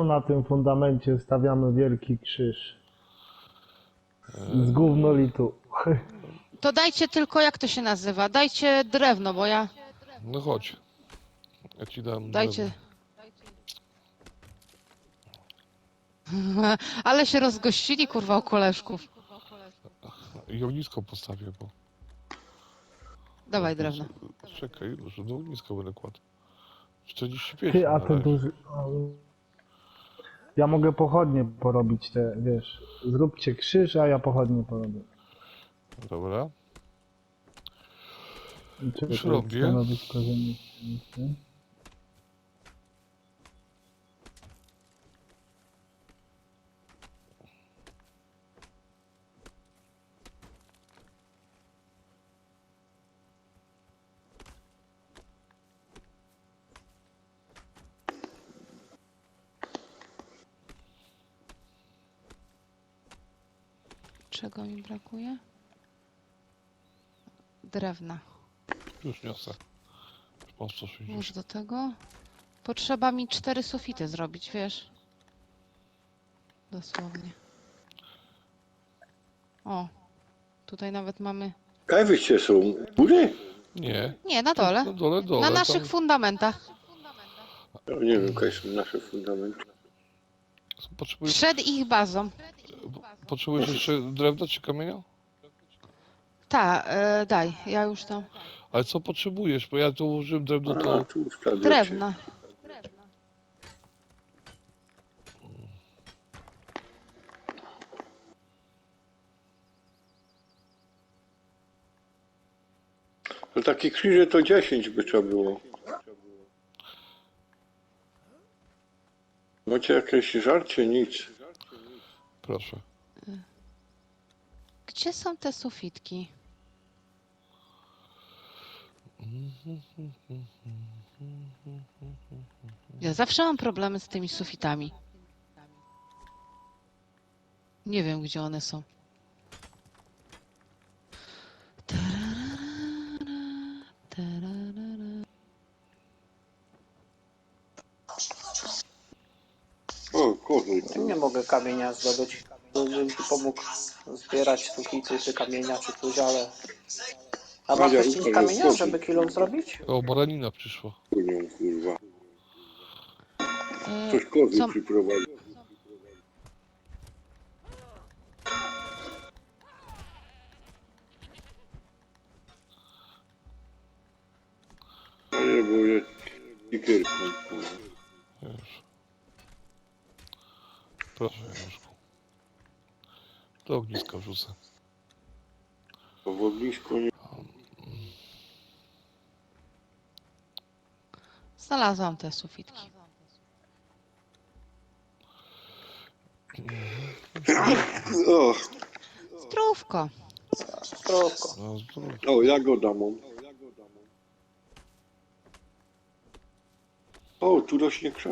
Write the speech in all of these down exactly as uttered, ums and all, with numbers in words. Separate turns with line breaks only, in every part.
na tym fundamencie stawiamy wielki krzyż. Z gównolitu.
To dajcie tylko, jak to się nazywa? Dajcie drewno, bo ja...
No chodź. Ja ci dam
Dajcie...
drewno.
Ale się rozgościli, kurwa, u koleżków.
I ognisko postawię, bo...
Dawaj drewno.
Czekaj, że do ogniska będę kładł. czterdzieści pięć
Ty, a
na
to
razie.
duży... Ja mogę pochodnie porobić te, wiesz. Zróbcie krzyż, a ja pochodnie porobię.
Dobra.
Czekaj,
Już robię.
Stanowisko ziemi.
Czego mi brakuje? Drewna.
Już niosę. Już mam sto sześćdziesiąt.
Już do tego. Potrzeba mi cztery sufity zrobić, wiesz? Dosłownie. O, tutaj nawet mamy...
Kaj wyście są? W górze?
Nie.
Nie, na dole.
Na dole, dole.
Na naszych
tam...
fundamentach.
Ja nie wiem, kaj są nasze fundamenty.
Potrzebujesz,
Przed ich bazą.
potrzebujesz jeszcze drewna czy kamienia?
Ta, e, daj, ja już tam.
Ale co potrzebujesz? Bo ja tu użyłem drewno,
A,
to...
tu wkradłeś.
Drewna.
No takie krzyże to dziesięć by trzeba było. Macie jakieś żarcie? Nic.
Proszę.
Gdzie są te sufitki? Ja zawsze mam problemy z tymi sufitami. Nie wiem, gdzie one są.
O, kurde.
Nie mogę kamienia zdobyć, żebym ci pomógł zbierać sufity czy kamienia czy coś, ale... A masz
Madzia,
też
Łukasz,
kamienia,
jest
żeby kilo zrobić?
O, baranina przyszła.
Kurnią, kurwa.
E,
Ktoś kozy
co-
przyprowadził. A nie, bo jest stickerką.
Już. Proszę, Januszku. Do ogniska wrzucę.
Bo w ognisku nie...
Znalazłam te sufitki.
O,
Zdrówko.
Zdrówko.
No, zdrów.
o, jagoda mam. O, tu rośnie krzak.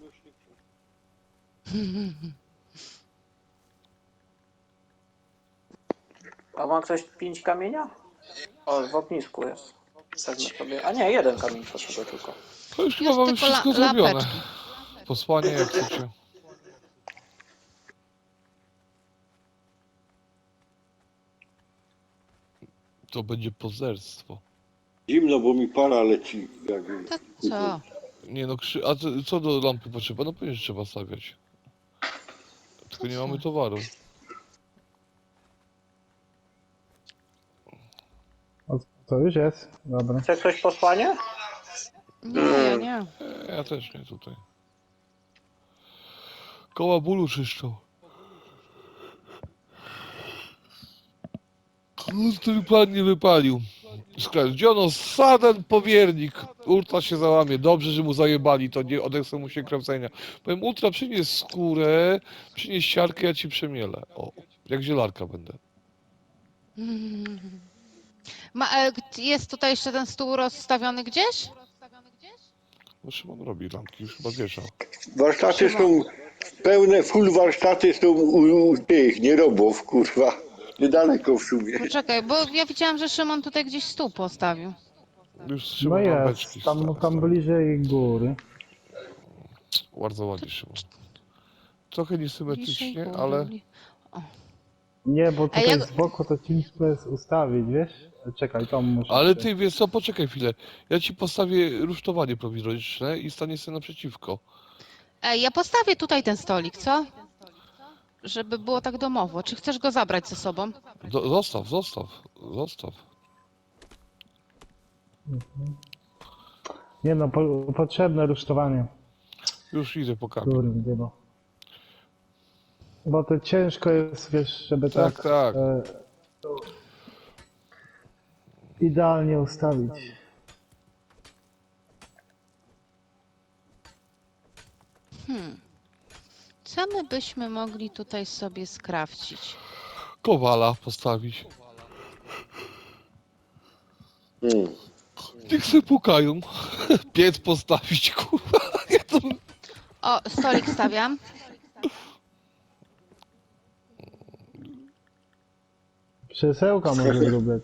A ma ktoś pięć kamienia? O, w ognisku jest. Wezmę sobie... A nie, jeden kamień potrzebuję tylko.
To już chyba
Już
mamy
tylko
wszystko
la-
zrobione.
lapeczki.
Posłanie jak chcecie. To będzie pozerstwo.
Zimno, bo mi para leci. Jakby.
To co?
Nie no, krzy... a co, co do lampy potrzeba? No pewnie, że trzeba stawiać. Tylko nie mamy towaru.
O, to już jest. Dobra.
Chce ktoś posłanie?
Nie, ja nie.
E, ja też nie tutaj. Koła bólu czyszczą. No, ten plan nie wypalił. Skradziono saden powiernik. Ultra się załamie. Dobrze, że mu zajebali, to nie odechce mu się kręcenia. Powiem, Ultra, przynieś skórę, przynieś siarkę, ja ci przemielę. O, jak zielarka będę.
Ma, e, jest tutaj jeszcze ten stół rozstawiony gdzieś?
No Szymon robi lampki, już chyba wieszał.
Warsztaty są pełne, full warsztaty są u, u tych nierobów, kurwa. Niedaleko w sumie.
Poczekaj, bo ja widziałam, że Szymon tutaj gdzieś stół postawił.
Już
No
Szymon lampeczki
jest. Tam,
sta-
tam
stawi.
bliżej góry.
Bardzo ładnie, Szymon. trochę
Bliżej
niesymetrycznie,
góry,
ale
bli-
Nie, bo tutaj
jak-
z boku to ciężko jest ustawić, wiesz? Czekaj, to muszę...
ale
się-
ty wiesz co, poczekaj chwilę. Ja ci postawię rusztowanie prowizoryczne i stanie sobie naprzeciwko.
Ej, ja postawię tutaj ten stolik, co? Żeby było tak domowo. Czy chcesz go zabrać ze sobą?
Do, zostaw, zostaw, zostaw.
Nie no, po, potrzebne rusztowanie.
Już idę po kamień.
Kurde, bo... Bo to ciężko jest, wiesz, żeby
Tak,
tak...
tak.
E, to idealnie ustawić.
Co my byśmy mogli tutaj sobie skrawcić?
Kowala postawić.
Hmm.
Niech se pukają. Piec postawić, kurwa. Ja to...
O, stolik stawiam.
Krzesełka może zrobić.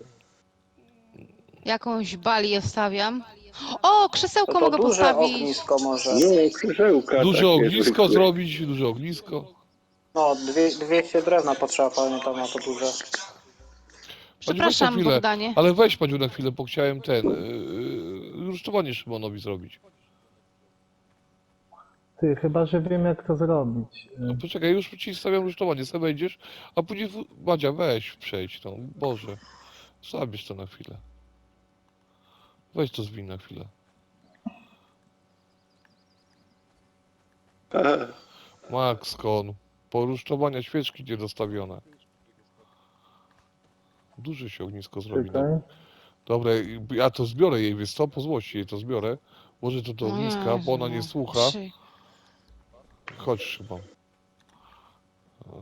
Jakąś balię stawiam. O, krzesełko
No to
mogę
duże
postawić.
ognisko może.
No, krzesełka
Duże
takie
ognisko
zwykłe.
zrobić, duże ognisko.
No, dwie, dwieście drewna potrzeba, pamiętam, na to duże.
Pani, weź na
Przepraszam,
chwilę,
Bogdanie.
ale weź Paniu na chwilę, bo chciałem ten, yy, rusztowanie Szymonowi zrobić.
Ty, chyba, że wiem jak to zrobić. E,
No poczekaj, już ci stawiam rusztowanie, sobie wejdziesz, a później, w... Madzia, weź, przejdź, no, Boże. Zabierz to na chwilę. Weź to zwin na chwilę.
Aha.
Max Kon, porusztowania świeczki niedostawione. Duże się ognisko zrobi. No.
Czekaj.
Dobra, ja to zbiorę jej, wiesz co, po złości jej to zbiorę. Może to do ogniska, bo ona nie
Jezu,
słucha.
trzy.
Chodź Szymon. Eee,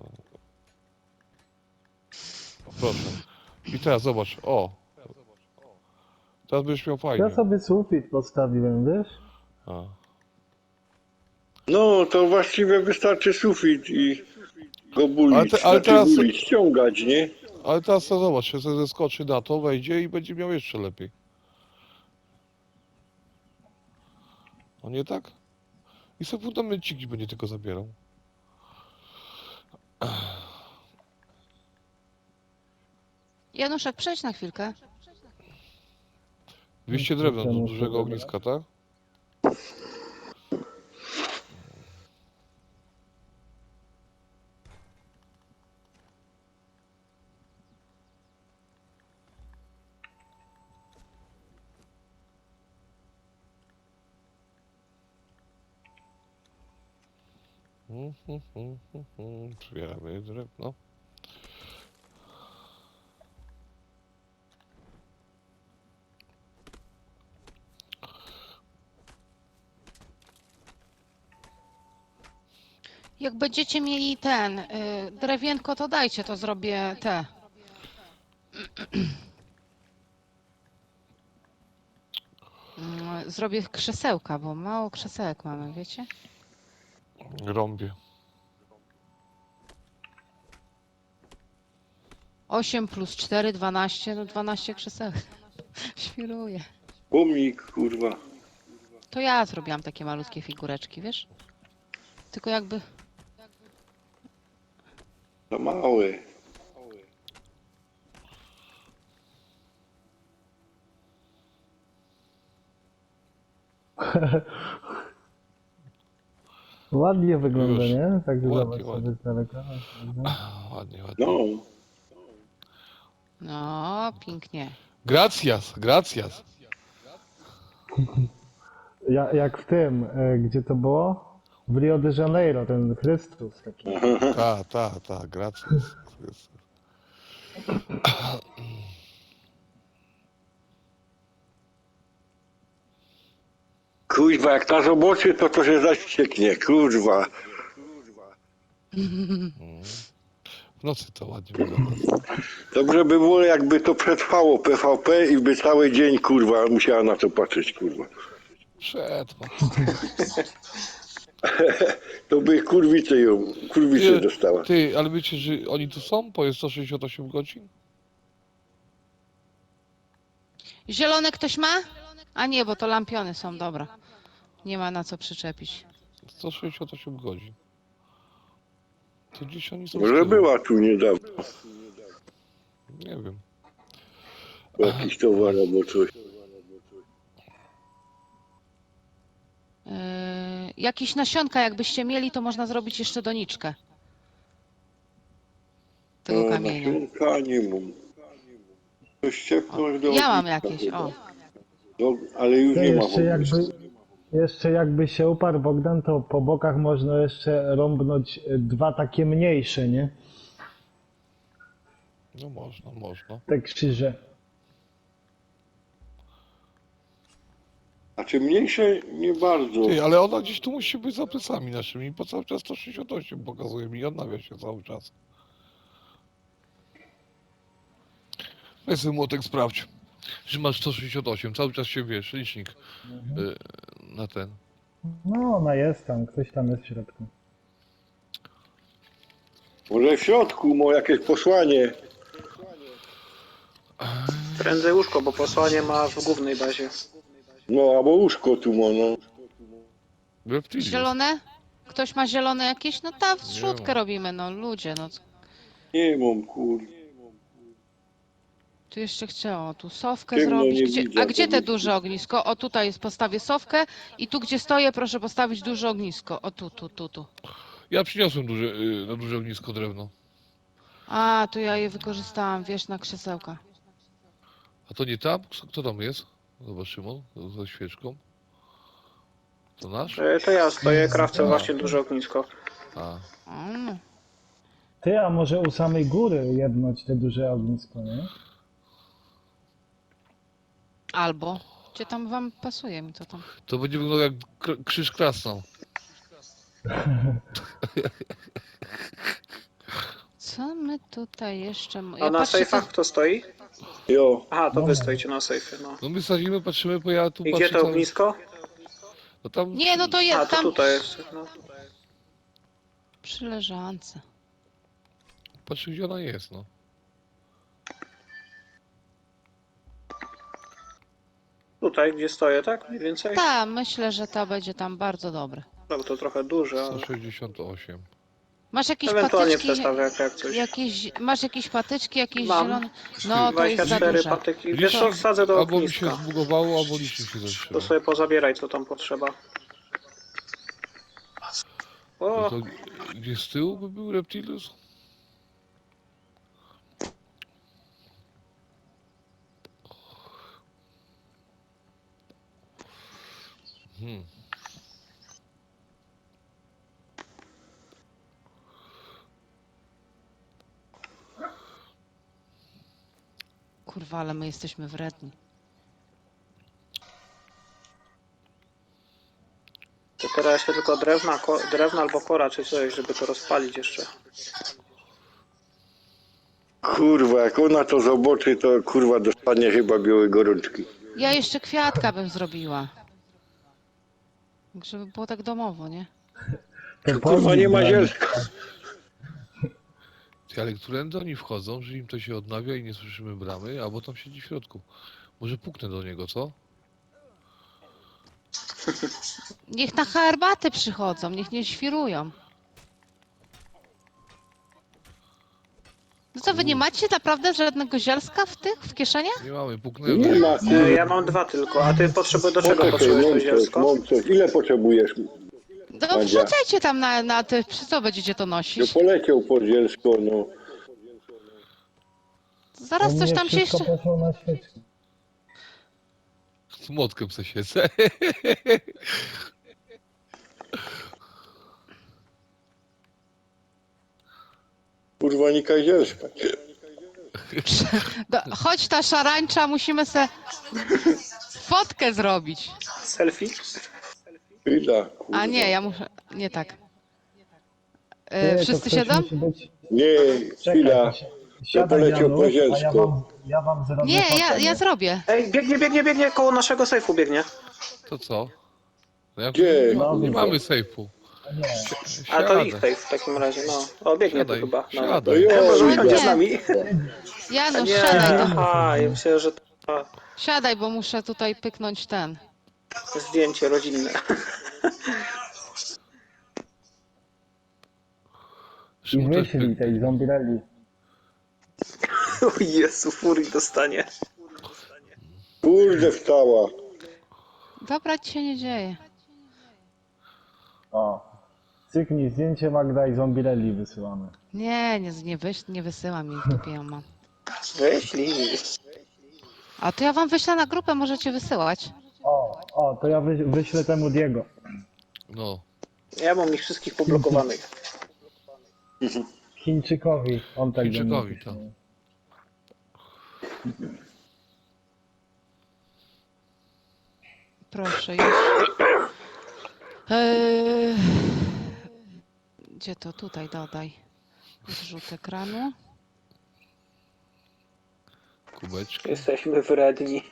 Proszę. I teraz zobacz, o. Teraz będziesz miał fajnie.
Ja sobie sufit postawiłem, wiesz?
A.
No, to właściwie wystarczy sufit i go
Ale
bulić,
te- ale
znaczy
teraz-
bulić, ściągać, nie?
Ale teraz to zobacz, się zeskoczy na to, wejdzie i będzie miał jeszcze lepiej. No nie tak? I sobie fundamenciki będzie tylko zabierał.
Januszek, przejdź na chwilkę.
dwieście drewna do dużego ogniska, tak? Mhm, mhm, mhm. Zbieramy drewno.
Jak będziecie mieli ten y, drewienko, to dajcie, to zrobię te. Mm, Zrobię krzesełka, bo mało krzesełek mamy, wiecie?
Rąbie.
osiem plus cztery, dwanaście, no dwanaście krzesełek. Świruję.
Pomnik, kurwa.
To ja zrobiłam takie malutkie figureczki, wiesz? Tylko jakby...
Za małe.
Ładnie wygląda,
Już.
nie? Tak
Ładnie,
zobacz
ładnie.
sobie z daleka.
Ładnie, ładnie.
No,
No, pięknie.
Gracias, gracias.
Ja, jak w tym, e, gdzie to było? W Rio de Janeiro, ten Chrystus taki.
Ta, ta, ta, gracias.
kurwa, jak ta zobaczy, to to się zaścieknie, kurwa.
W nocy to ładnie wygląda.
Dobrze by było, jakby to przetrwało P V P i by cały dzień, kurwa, musiała na to patrzeć, kurwa.
Przetrwa.
To by kurwicę ją, kurwicę
Ty,
dostała.
ty, ale wiecie, że oni tu są po sto sześćdziesiąt osiem godzin?
Zielone ktoś ma? A nie, bo to lampiony są, dobra. Nie ma na co przyczepić.
sto sześćdziesiąt osiem godzin. To gdzieś oni są z
Może
tyłu.
była tu niedawno
Nie wiem.
jakiś towar albo coś.
Yy, jakieś nasionka jakbyście mieli, to można zrobić jeszcze doniczkę tego
No,
kamienia.
nasionka nie mam. To ściepnąć do
Ja mam
ogniska
jakieś,
chyba.
o.
No, ale już
To
nie ma
jeszcze
ogniska.
jakby, jeszcze jakby się uparł Bogdan, to po bokach można jeszcze rąbnąć y, dwa takie mniejsze, nie?
No można, można.
Te krzyże.
A czy mniejsze? Nie bardzo.
Ty, ale ona gdzieś tu musi być za plecami naszymi, bo cały czas sto sześćdziesiąt osiem pokazuje mi i odnawia się cały czas. Weź sobie młotek sprawdź, że masz sto sześćdziesiąt osiem, cały czas się wiesz, licznik y, na ten.
No ona jest tam, ktoś tam jest w środku.
Może w środku ma jakieś posłanie.
Prędzej łóżko, bo posłanie ma w głównej bazie.
No, albo łóżko tu ma, no.
Reptilius.
Zielone? Ktoś ma zielone jakieś? No ta zrzutkę
ma.
robimy, no ludzie, no.
Nie mam, kur...
Tu jeszcze chciało, tu sowkę
Ciemno
zrobić.
nie
Gdzie,
widzę,
a gdzie
to
te
jest-
duże ognisko? O tutaj jest, postawię sowkę i tu gdzie stoję proszę postawić duże ognisko. O tu, tu, tu, tu.
Ja przyniosłem duże, y, na duże ognisko drewno.
A, tu ja je wykorzystałam, wiesz, na krzesełka.
A to nie tam? Kto tam jest? Zobacz, Szymon, ze świeczką. To nasz?
E, To ja stoję, krawcę właśnie duże ognisko.
A,
Mm.
Ty, a może u samej góry jednąć te duże ognisko, nie?
Albo. Gdzie tam wam pasuje mi to tam?
to będzie wyglądał jak kr- krzyż krasnał.
Co my tutaj jeszcze... m-
A na
patrzę,
sejfach kto stoi?
Jo.
Aha, to
No.
wy stoicie na sejfie, no.
No my sadzimy, patrzymy, bo ja tu
I
patrzę
gdzie to
cały-
ognisko?
No tam
Nie, no to
A,
jest
to
tam
tutaj jest. No.
przy leżance.
patrzę, gdzie ona jest, no.
Tutaj, gdzie stoję, tak? Mniej więcej?
Tak, myślę, że ta będzie tam bardzo dobre.
No, to trochę duże, ale...
sto sześćdziesiąt osiem.
Masz jakieś
Ewentualnie
patyczki?
przestawię jak, jak coś.
Jakieś, masz jakieś patyczki, jakieś
Mam.
zielone? No to jest za
dwadzieścia cztery
duże.
patyki. Wiesz co, wsadzę do
albo mi się
ogniska.
zbugowało, albo licznik się
To
zatrzymał.
sobie pozabieraj, co tam potrzeba.
No
O,
to gdzie z tyłu by był Reptilius? Hmm.
Kurwa, ale my jesteśmy wredni.
to teraz jeszcze tylko drewna, ko, drewna albo kora czy coś, żeby to rozpalić jeszcze.
Kurwa, jak ona to zobaczy, to kurwa dostanie chyba białej gorączki.
Ja jeszcze kwiatka bym zrobiła. Żeby było tak domowo, nie?
To
Kurwa,
pomnik
nie ma
dla nich.
zielska.
Ty, ale którędy oni wchodzą, że im to się odnawia i nie słyszymy bramy, albo tam siedzi w środku. Może puknę do niego, co?
Niech na herbaty przychodzą, niech nie świrują. No co, wy nie macie naprawdę żadnego zielska w tych, w kieszeniach?
Nie mamy, puknę do
Nie
niego.
ma,
E,
kurwa.
ja mam dwa tylko, a ty potrzebujesz do czego
Poczekaj,
potrzebujesz to
mam coś,
zielsko?
mam coś. Ile potrzebujesz?
No
Madzia.
wrzucajcie tam na, na te, przy co będziecie to
No
nosić?
poleciał po zielsko, no.
Zaraz
U
coś
mnie
tam się
wszystko
jeszcze...
poszło na świeczki.
Z młotkiem se siedzę.
Kurwa, nika zielska.
Do, chodź ta szarańcza, musimy se fotkę zrobić.
Selfie?
Chwila, kurwa.
A nie, ja muszę... Nie tak.
Ty,
E,
to
wszyscy
ktoś
siedzą?
musi być...
Nie,
Czekaj,
chwila.
to si- siadaj,
poleciał
Janusz,
po
a ja
zielsko.
wam, ja wam zrobię
Nie, ja,
fotę,
ja
nie?
zrobię.
Ej, biegnie, biegnie, biegnie, koło naszego sejfu biegnie.
To co? No ja
Gdzie?
nie, ma,
No,
nie
widzę.
mamy sejfu.
Nie.
A to ich
Siadę.
sejf w takim razie, no. O, biegnie tu
Siadaj,
chyba. No.
siadaj.
No
Chyba, że
jo,
usiądzie
nie.
z nami. A
Janusz,
nie,
siadaj tam.
aha, ja myślę, że to
Siadaj, bo muszę tutaj pyknąć ten.
zdjęcie rodzinne.
Przy
I
mu też-
wyślij tej zombirelli.
O Jezu, furii dostanie.
Kurde, wstała.
Dobra, ci się nie dzieje.
O. Cyknij zdjęcie Magda i zombirelli wysyłamy.
Nie, nie, nie, wyś, nie wysyłam jej, w dupie ją mam.
Wyślij.
A to ja wam wyślę na grupę, możecie wysyłać.
O, o, to ja wy, wyślę temu Diego.
No.
Ja mam ich wszystkich poblokowanych.
Chińczykowi. On tak do mnie
Chińczykowi,
pisze.
tak.
Proszę, już. Eee, Gdzie to? Tutaj dodaj. Zrzut ekranu.
Kubeczki.
Jesteśmy wredni.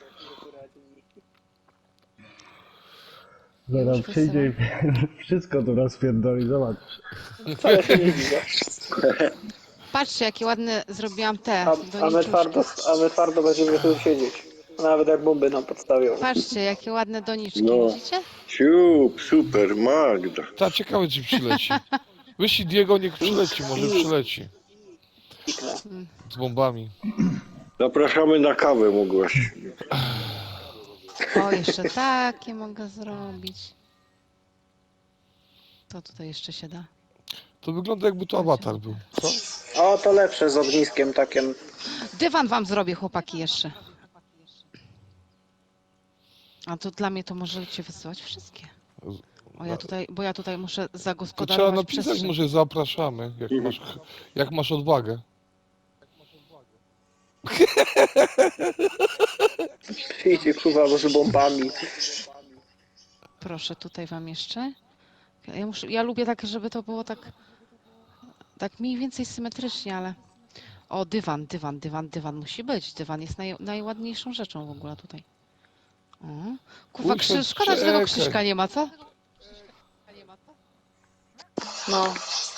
Zaraz
Już
przyjdzie i wszystko tu rozpierdoli, zobacz.
Wcale się nie widzę.
Patrzcie, jakie ładne zrobiłam te
A, a, my
doniczuszki.
twardo, a my twardo będziemy tu siedzieć. Nawet jak bomby nam podstawią.
Patrzcie, jakie ładne doniczki,
No.
widzicie?
Siup, super, Magda.
Ta, ciekawe czy przyleci. Wyślij Diego, niech przyleci, może przyleci.
Piknę.
Z bombami.
Zapraszamy na kawę, mogłaś.
O, jeszcze takie mogę zrobić. Co tutaj jeszcze się da?
To wygląda jakby to awatar był. Co?
O, to lepsze z ogniskiem takim.
Dywan wam zrobię, chłopaki, jeszcze. A to dla mnie to możecie wysyłać wszystkie. O, ja tutaj, bo ja tutaj muszę
To trzeba
zagospodarować
napisać,
przestrzeń.
może zapraszamy, jak masz, jak masz odwagę.
Przyjdzie kurwa z bombami.
Proszę, tutaj wam jeszcze. Ja, muszę, ja lubię tak, żeby to było tak, tak mniej więcej symetrycznie, ale... O, dywan, dywan, dywan, dywan musi być. Dywan jest naj, najładniejszą rzeczą w ogóle tutaj. O, kurwa,
Kurczę,
Krzyż, szkoda, że tego
czekaj.
Krzyśka nie ma, co?
No.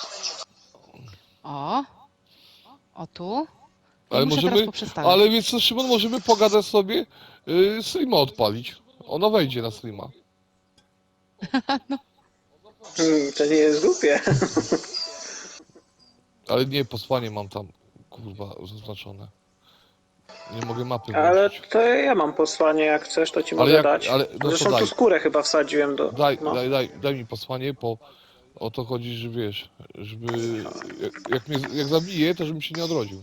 O, o tu. I
Ale
muszę
możemy,
teraz poprzestawiać.
ale więc co, Szymon, możemy pogadać sobie, yy, streama odpalić. Ona wejdzie na streama.
Hmm, to nie jest głupie.
Ale nie, posłanie mam tam, kurwa, zaznaczone. Nie mogę mapy
Ale
włączyć.
to ja mam posłanie, jak chcesz, to ci
Ale
mogę
jak-
dać.
ale- no to
Zresztą
daj.
tu skórę chyba wsadziłem do...
Daj,
no.
daj, daj, daj mi posłanie, bo o to chodzi, że wiesz, żeby, jak, jak mnie, jak zabiję, to żebym się nie odrodził.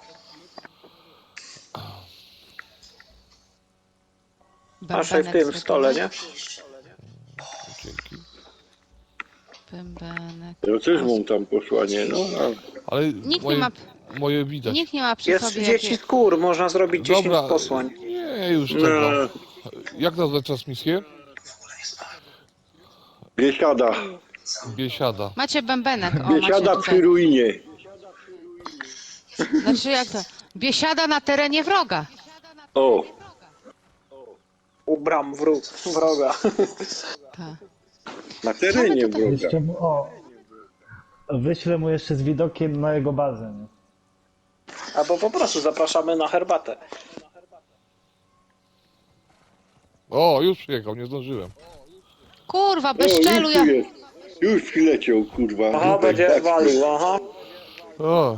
Masz w tym, w stole, nie?
Dzięki.
Bębenek.
Ja też mam tam posłanie, no. a-
Ale
Nikt
moje,
nie ma,
moje widać.
nikt nie ma przy
Jest
sobie
dziesięć
jakie...
skór, można zrobić dziesięć
Dobra,
posłań.
nie, już
No,
tego. Jak nazwać transmisję?
biesiada.
Biesiada.
Macie bębenek, o, macie
Biesiada przy
tutaj.
ruinie.
Znaczy jak to? Biesiada na terenie wroga.
O,
U bram wróg, wroga.
Tak.
na terenie
tutaj-
wroga.
Jeszcze mu, o. Wyślę mu jeszcze z widokiem na jego bazę. Nie?
Albo po prostu zapraszamy na herbatę.
O, już przyjechał, nie zdążyłem.
Kurwa,
O,
bez
już
szczelu
tu
ja...
jest. Już przyleciał, kurwa.
Aha,
Zubek,
będzie
tak.
walił, aha.
O,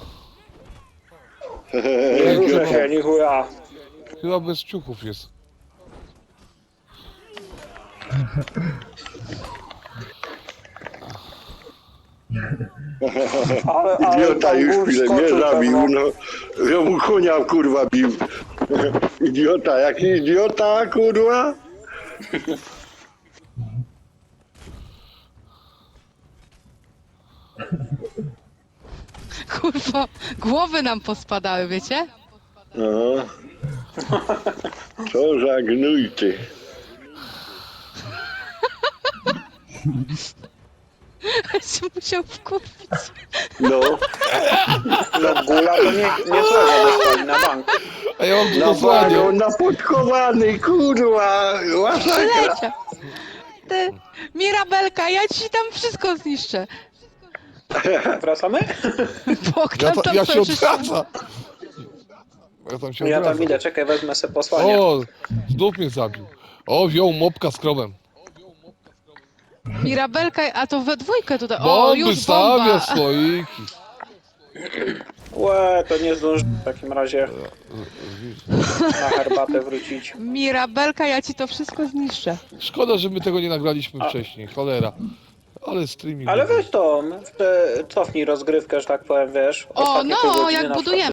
Nie ruszę się, ni chuja.
chyba bez ciuchów jest.
Ale, ale
Idiota
tam
już
gór
chwilę mnie
skoczył
zabił,
pewno.
no. Ja mu konia, kurwa, bił. Idiota, jaki idiota, kurwa.
Kurwa, głowy nam pospadały, wiecie?
Aha. Co za gnój ty.
się musiał wkurwić.
No,
No gula to nie, nie słowo dostali na bank.
A ja mam tu
na
posłanie.
bagą, napodkowany, kurwa. Masakra.
Lecia. Ty, Mirabelka, ja ci tam wszystko zniszczę.
Wracamy?
Bogdan
Ja, ta,
tam
ja się
sobie przyszedł.
odwracam. Ja tam się
Ja tam
odwracam.
idę, czekaj, wezmę se posłanie.
O, znów mnie zabił. O, wziął mopka z krowem.
Mirabelka, a to we dwójkę tutaj. O,
Bomby
już
stawia,
bomba.
słoiki.
Łe, to nie zdąży w takim razie na herbatę wrócić.
Mirabelka, ja ci to wszystko zniszczę.
Szkoda, że my tego nie nagraliśmy wcześniej, cholera. Ale streaming...
Ale weź to, te- cofnij rozgrywkę, że tak powiem, wiesz.
O,
ostatnie pół
no,
godziny
jak
na przykład
budujemy.